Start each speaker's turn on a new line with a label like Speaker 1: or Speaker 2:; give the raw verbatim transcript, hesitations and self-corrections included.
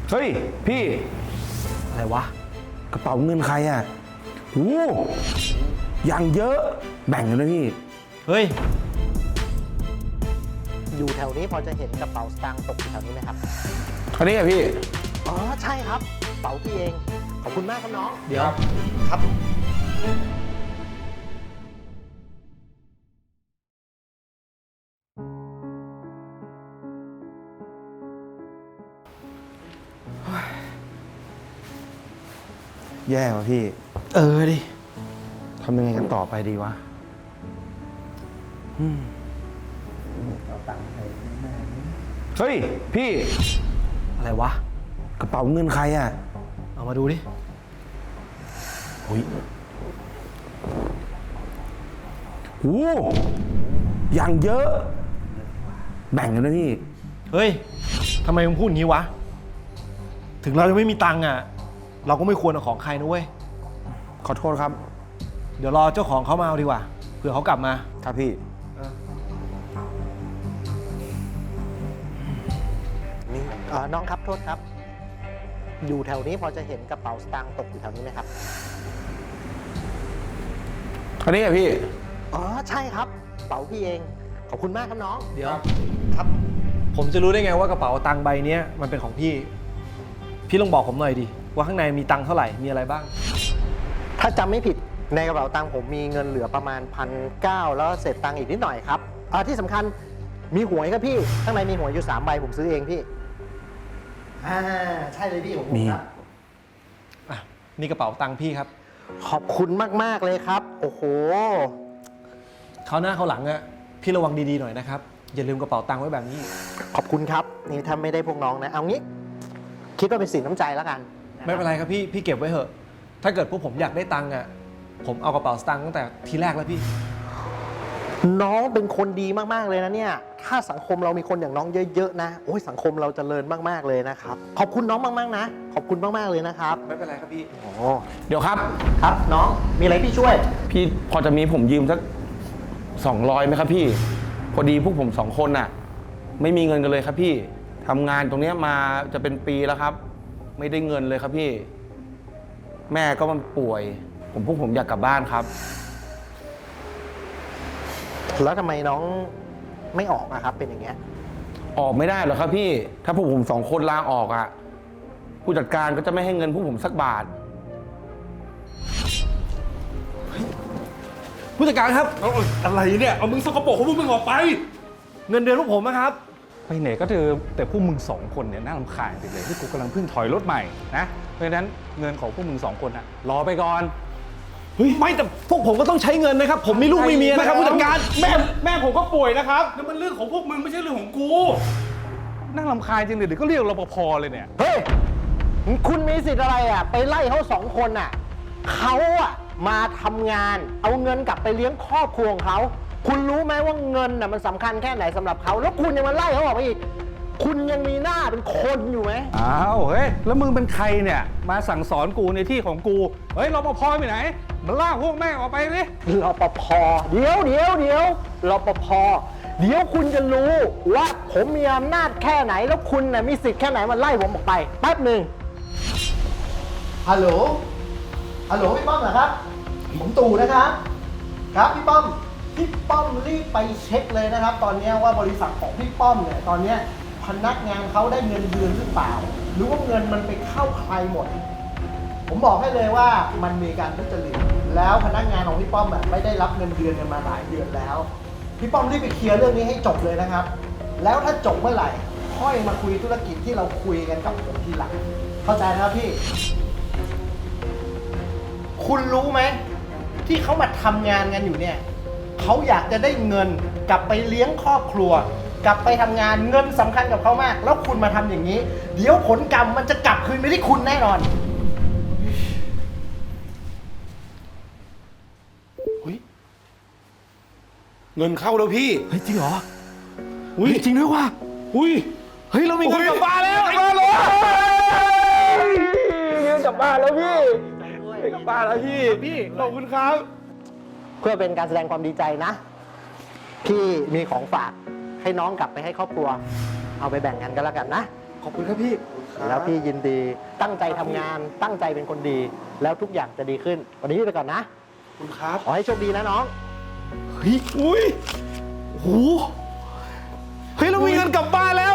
Speaker 1: เฮ้ยพี่
Speaker 2: อะไรวะ
Speaker 1: กระเป๋าเงินใครอ่ะโอ้ยังเยอะแบ่งกันนะพี่
Speaker 2: เฮ้ย
Speaker 3: อยู่แถวนี้พอจะเห็นกระเป๋าสตางค์ตกอยู่แถวนี้ไหมครับ
Speaker 1: อันนี้อ่ะพี่
Speaker 3: อ๋อใช่ครับกระเป๋าพี่เองขอบคุณมากครับน้อง
Speaker 2: เดี๋ยว
Speaker 3: ครับ
Speaker 1: แย่ว่ะพี่
Speaker 2: เออดิ
Speaker 1: ทำยังไงกันต่อไปดีวะเฮ้ยพี่
Speaker 2: อะไรวะ
Speaker 1: กระเป๋าเงินใครอ่ะ
Speaker 2: เอามาดูดิ
Speaker 1: โอ้ยโอ้ยังเยอะแบ่งกันนะพี่
Speaker 2: เฮ้ยทำไมมึงพูดอย่างนี้วะถึงเราจะไม่มีตังค์อ่ะเราก็ไม่ควรเอาของใครนะเว้ย
Speaker 1: ขอโทษครับ
Speaker 2: เดี๋ยวรอเจ้าของเขามาเอาดีกว่าเผื่อเขากลับมา
Speaker 1: ครับพี่
Speaker 3: นี่น้องครับโทษครับอยู่แถวนี้พอจะเห็นกระเป๋าสตางค์ตกอยู่แถวนี้ไหมครับ
Speaker 1: อันนี้อ่ะพี่
Speaker 3: อ๋อใช่ครับกระเป๋าพี่เองขอบคุณมากครับน้อง
Speaker 2: เดี๋ยว
Speaker 3: ครับ
Speaker 2: ผมจะรู้ได้ไงว่ากระเป๋าตังค์ใบนี้มันเป็นของพี่พี่ลองบอกผมหน่อยดิว่าข้างในมีตังค์เท่าไหร่มีอะไรบ้าง
Speaker 3: ถ้าจำไม่ผิดในกระเป๋าตังค์ผมมีเงินเหลือประมาณพันเก้าแล้วเศษตังค์อีกนิดหน่อยครับอ่าที่สำคัญมีหวยครับพี่ข้างในมีหวยอยู่สามใบผมซื้อเองพี่อ่าใช่เลยพี่ผมครับ
Speaker 2: อ่ะนี่กระเป๋าตังค์พี่ครับ
Speaker 3: ขอบคุณมากๆเลยครับโอ้โห
Speaker 2: คราวหน้าคราวหลังอะพี่ระวังดีๆหน่อยนะครับอย่าลืมกระเป๋าตังค์ไว้แบบนี้
Speaker 3: ขอบคุณครับนี่ถ้าไม่ได้พวกน้องนะเอางี้คิดว่าเป็นสินน้ำใจแล้วกัน
Speaker 2: ไม่เป็นไรครับพี่พี่เก็บไว้เถอะถ้าเกิดพวกผมอยากได้ตังค์อะผมเอากระเป๋าสตางค์ตั้งแต่ทีแรกแล้วพี่
Speaker 3: น้องเป็นคนดีมากๆเลยนะเนี่ยถ้าสังคมเรามีคนอย่างน้องเยอะๆนะโอ้ยสังคมเราจเจริญมากๆเลยนะครับขอบคุณน้องมากๆนะขอบคุณมากๆเลยนะครับ
Speaker 2: ไม่เป็นไรครับพี่
Speaker 3: โอ้
Speaker 1: เดี๋ยวครับ
Speaker 3: ครับน้องมีอะไรพี่ช่วย
Speaker 1: พี่พอจะมีผมยืมสักสองร้อยไหมครับพี่พอดีพวกผมสองคนน่ะไม่มีเงินกันเลยครับพี่ทำงานตรงนี้มาจะเป็นปีแล้วครับไม่ได้เงินเลยครับพี่แม่ก็มันป่วยผมพวกผมอยากกลับบ้านครับ
Speaker 3: แล้วทำไมน้องไม่ออกอะครับเป็นอย่างเงี้ย
Speaker 1: ออกไม่ได้หรอกครับพี่ถ้าพวกผมสองคนลาออกอ่ะผู้จัดการก็จะไม่ให้เงินพวกผมสักบาท
Speaker 2: ผู้จัดการครับ
Speaker 4: เอาอะไรเนี่ยเอามึงสกปรกของมึงออกไป
Speaker 2: เงินเดือนพวกผมนะครับ
Speaker 4: ไปไหนก็เจอแต่พวกมึงสองคนเนี่ยน่ารำคาญเลยที่กูกำลังเพิ่งถอยรถใหม่นะเพราะฉะนั้นเงินของพวกมึงสองคนอะรอไปก่อน
Speaker 2: เฮ้ยไม่แต่พวกผมก็ต้องใช้เงินนะครับผมมีลูกมีเมียนะครับผู้จัดการ
Speaker 4: แม่แม่ผมก็ป่วยนะครับนั่นมันเรื่องของพวกมึงไม่ใช่เรื่องของกูน่ารำคาญจริงเลยเดี๋ยวก็เรียกรปภเลยเนี่ย
Speaker 3: เฮ้ยคุณมีสิทธิ์อะไรอะไปไล่เขาสองคนอะเขาอะมาทำงานเอาเงินกลับไปเลี้ยงครอบครัวของเขาคุณรู้ไหมว่าเงินน่ะมันสำคัญแค่ไหนสำหรับเขาแล้วคุณยังมาไล่เขาออกไปอีกคุณยังมีหน้าเป็นคนอยู่ไหม
Speaker 4: อ้าวเฮ้ยแล้วมึงเป็นใครเนี่ยมาสั่งสอนกูในที่ของกูเฮ้ยรปภไปไหนมาลากพวกแม่ออกไปเลย
Speaker 3: รปภเดี๋ยวเดี๋ยวเดี๋ยวรปภเดี๋ยวคุณจะรู้ว่าผมมีอำนาจแค่ไหนแล้วคุณน่ะมีสิทธิ์แค่ไหนมาไล่ผมออกไปแป๊บหนึ่งฮัลโหลฮัลโหลพี่ป้อมเหรอครับผมตู่นะครับครับพี่ป้อมพี่ป้อมรีบไปเช็คเลยนะครับตอนนี้ว่าบริษัทของพี่ป้อมเนี่ยตอนนี้พนักงานเขาได้เงินเดือนหรือเปล่าหรือว่าเงินมันไปเข้าใครหมดผมบอกให้เลยว่ามันมีการทุจริตแล้วพนักงานของพี่ป้อมแบบไม่ได้รับเงินเดือนกันมาหลายเดือนแล้วพี่ป้อมรีบไปเคลียร์เรื่องนี้ให้จบเลยนะครับแล้วถ้าจบเมื่อไหร่ค่อยมาคุยธุรกิจที่เราคุยกันกับผมทีหลังเข้าใจนะครับพี่คุณรู้ไหมที่เขามาทำงานกันอยู่เนี่ยเขาอยากจะได้เงินกลับไปเลี้ยงครอบครัวกลับไปทำงานเงินสำคัญกับเขามากแล้วคุณมาทำอย่างนี้เดี๋ยวผลกรรมมันจะกลับคืนไปที่คุณแน่นอน
Speaker 1: เฮ้ยเงินเข้าแล้วพี่
Speaker 2: เฮ้ยจริงเหรออุ้ยจริงด้วยว่ะ
Speaker 1: อุ้ย
Speaker 2: เฮ้ยเรามีเงินกลับบ้านแล้ว
Speaker 1: กลับบ้านแล้วเงินกลับบ้านแล้วพี่กลับบ้านแล้วพี่
Speaker 2: พี่ขอบคุณครับ
Speaker 3: เพื่อเป็นการแสดงความดีใจนะพี่มีของฝากให้น้องกลับไปให้ครอบครัวเอาไปแบ่งกันก็แล้วกันนะ
Speaker 2: ขอบคุณครับพี่
Speaker 1: ครับ
Speaker 3: แล้วพี่ยินดีตั้งใจทำงาน ตั้งใจเป็นคนดี แล้วทุกอย่างจะดีขึ้น วันนี้พี่ไปก่อนนะ
Speaker 1: คุณครับ
Speaker 3: ขอให้โชคดีนะน้อง
Speaker 2: เฮ้ย อุ้ยโอ้โหเฮ้ย เรามีเงินกลับบ้านแล้ว